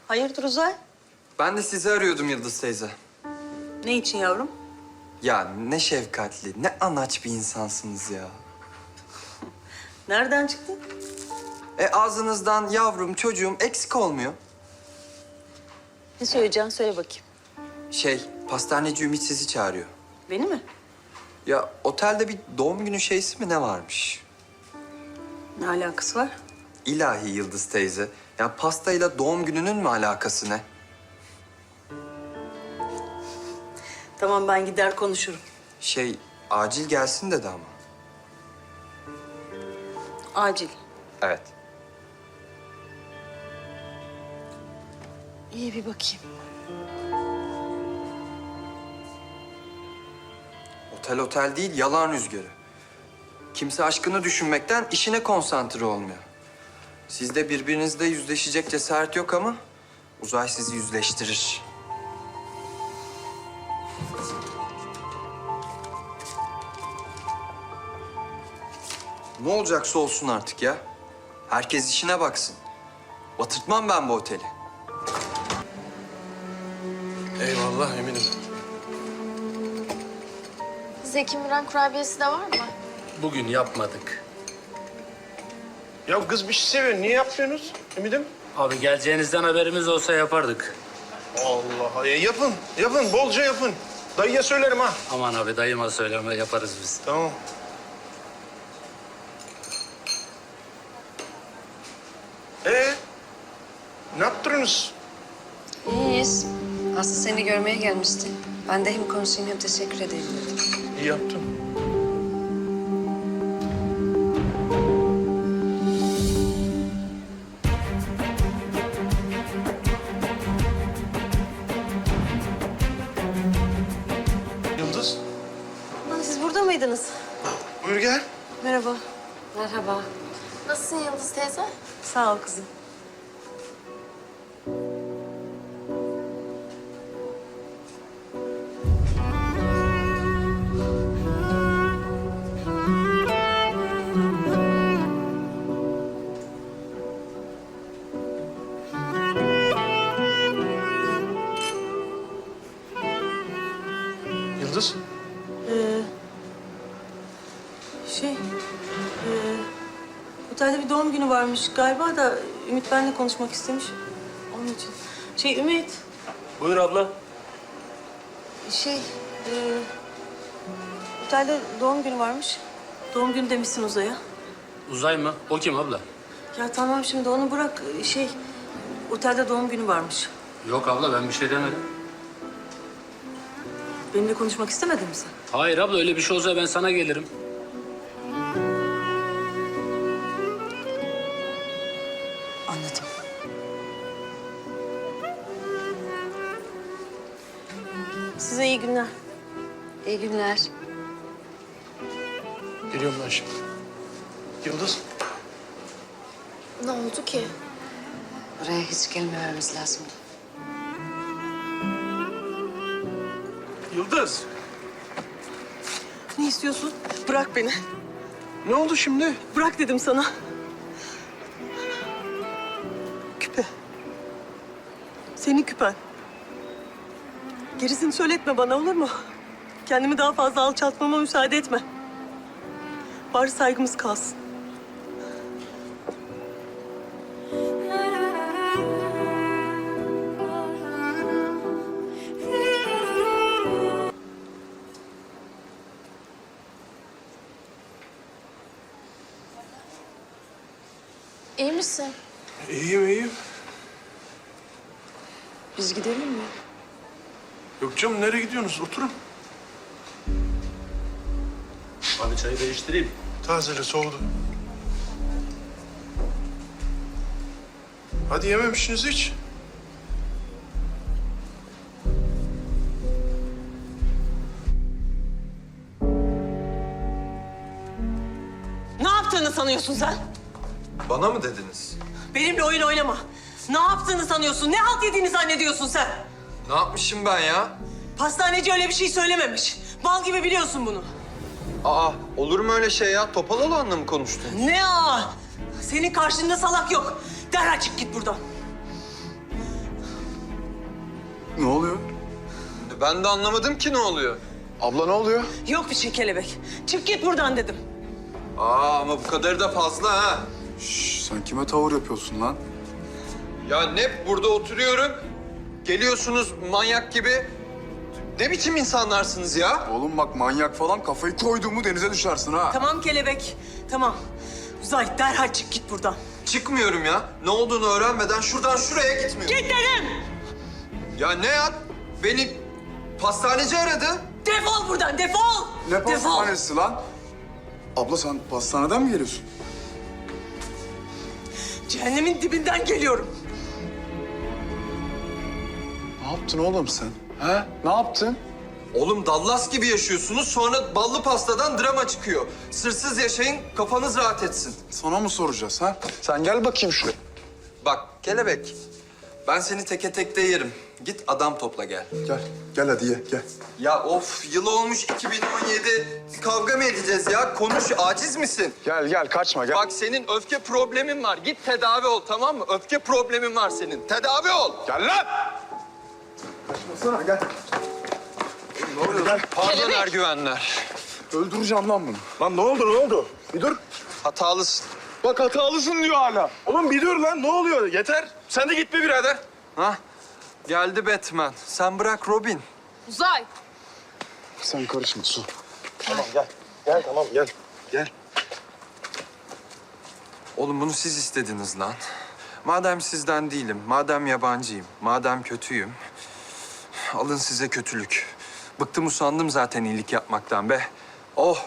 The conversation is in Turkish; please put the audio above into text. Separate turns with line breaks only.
Hayırdır Uzay?
Ben de sizi arıyordum Yıldız teyze.
Ne için yavrum?
Ya ne şefkatli, ne anaç bir insansınız ya.
Nereden çıktı?
Ağzınızdan yavrum, çocuğum eksik olmuyor.
Ne söyleyeceksin? Söyle bakayım.
Pastaneci Ümit sizi çağırıyor.
Beni mi?
Ya otelde bir doğum günü şeysi mi ne varmış?
Ne alakası var?
İlahi Yıldız teyze. Ya pastayla doğum gününün mü alakası ne?
Tamam ben gider konuşurum.
Acil gelsin dedi ama.
Acil.
Evet.
İyi bir bakayım.
Otel değil, yalan rüzgarı. Kimse aşkını düşünmekten işine konsantre olmuyor. Sizde birbirinizle yüzleşecek cesaret yok ama Uzay sizi yüzleştirir. Ne olacaksa olsun artık ya. Herkes işine baksın. Batırtmam ben bu oteli.
Eyvallah eminim.
Zeki Müren kurabiyesi de var mı?
Bugün yapmadık.
Ya kız bir şey seviyor. Niye yapmıyorsunuz Eminim?
Abi geleceğinizden haberimiz olsa yapardık.
Allah. Yapın. Yapın. Bolca yapın. Dayıya söylerim ha.
Aman abi dayıma söyleme yaparız biz.
Tamam. Ne yaptınız?
İyiyiz. Aslı seni görmeye gelmişti. Ben de hem konuşayım hem teşekkür edeyim dedim.
İyi yaptın. Yıldız,
Lan siz burada mıydınız?
buyur gel.
Merhaba.
Merhaba.
Nasılsın Yıldız teyze?
Sağ ol kızım.
Yıldız,
Otelde bir doğum günü varmış galiba da Ümit benimle konuşmak istemiş. Onun için. Ümit,
Buyur abla.
otelde doğum günü varmış. Doğum günü demişsin Uzay'a.
Uzay mı? O kim abla?
Ya tamam şimdi onu bırak. Otelde doğum günü varmış.
Yok abla ben bir şey demedim.
Benimle konuşmak istemedin mi sen?
Hayır abla öyle bir şey olsa ben sana gelirim.
Anladım. Size iyi günler.
İyi günler.
geliyorum ben şimdi. Yıldız,
Ne oldu ki?
Buraya hiç gelmememiz lazım.
Yıldız.
Ne istiyorsun? Bırak beni.
Ne oldu şimdi?
Bırak dedim sana. Küpe. Senin küpen. Gerisini söyletme bana olur mu? Kendimi daha fazla alçaltmama müsaade etme. Bari saygımız kalsın.
İyi misin?
İyiyim, iyiyim.
Biz gidelim mi?
Yok canım, nereye gidiyorsunuz? Oturun.
Abi çayı değiştireyim.
Tazele, soğudu. Hadi yememişsiniz hiç.
Ne yaptığını sanıyorsun sen?
Bana mı dediniz?
Benimle oyun oynama. Ne yaptığını sanıyorsun? Ne halt yediğini zannediyorsun sen?
Ne yapmışım ben ya?
Pastaneci öyle bir şey söylememiş. Bal gibi biliyorsun bunu.
Olur mu öyle şey ya? Topal olanla mı konuştun?
Ne Senin karşında salak yok. Derhal çık git buradan.
Ben de anlamadım ki ne oluyor.
Abla ne oluyor?
Yok bir şey Kelebek. Çık git buradan dedim.
Ama bu kadarı da fazla ha.
Şş, sen kime tavır yapıyorsun lan?
Ya ne burada oturuyorum. Geliyorsunuz manyak gibi. Ne biçim insanlarsınız ya?
Oğlum bak manyak falan kafayı koyduğumu denize düşersin ha.
Tamam Kelebek. Tamam. Uzay derhal çık git buradan.
Çıkmıyorum ya. Ne olduğunu öğrenmeden şuradan şuraya gitmiyorum.
Git dedim.
Ya ne ya? Beni pastaneci aradı.
Defol buradan defol.
Ne
Defol.
pastanesi lan? Abla sen pastaneden mi geliyorsun?
Cehennemin dibinden geliyorum.
Ne yaptın oğlum sen? He? Ne yaptın?
Oğlum Dallas gibi yaşıyorsunuz, sonra ballı pastadan drama çıkıyor. Sırsız yaşayın, kafanız rahat etsin.
Sana mı soracağız ha? Sen gel bakayım şuraya.
Bak Kelebek, ben seni teke tekte yerim. Git adam topla gel.
Gel. Gel hadi ye gel.
Ya of, yıl olmuş 2017. Kavga mı edeceğiz ya? Konuş, aciz misin?
Gel gel kaçma gel.
Bak senin öfke problemin var. Git tedavi ol, tamam mı? Öfke problemin var senin. Tedavi ol.
Gel lan! Kaçmasana gel. Ne oluyor lan?
Pardon ergüvenler.
Öldüreceğim lan bunu.
Lan ne oldu? Bir dur.
Hatalısın.
Bak hatalısın diyor hala. Oğlum bir dur lan ne oluyor? Yeter. Sen de gitme birader.
Ha? Geldi Batman. Sen bırak Robin.
Uzay.
Sen karışma Su.
Gel tamam gel. Gel.
Oğlum bunu siz istediniz lan. Madem sizden değilim, madem yabancıyım, madem kötüyüm... alın size kötülük. Bıktım usandım zaten iyilik yapmaktan be. Oh!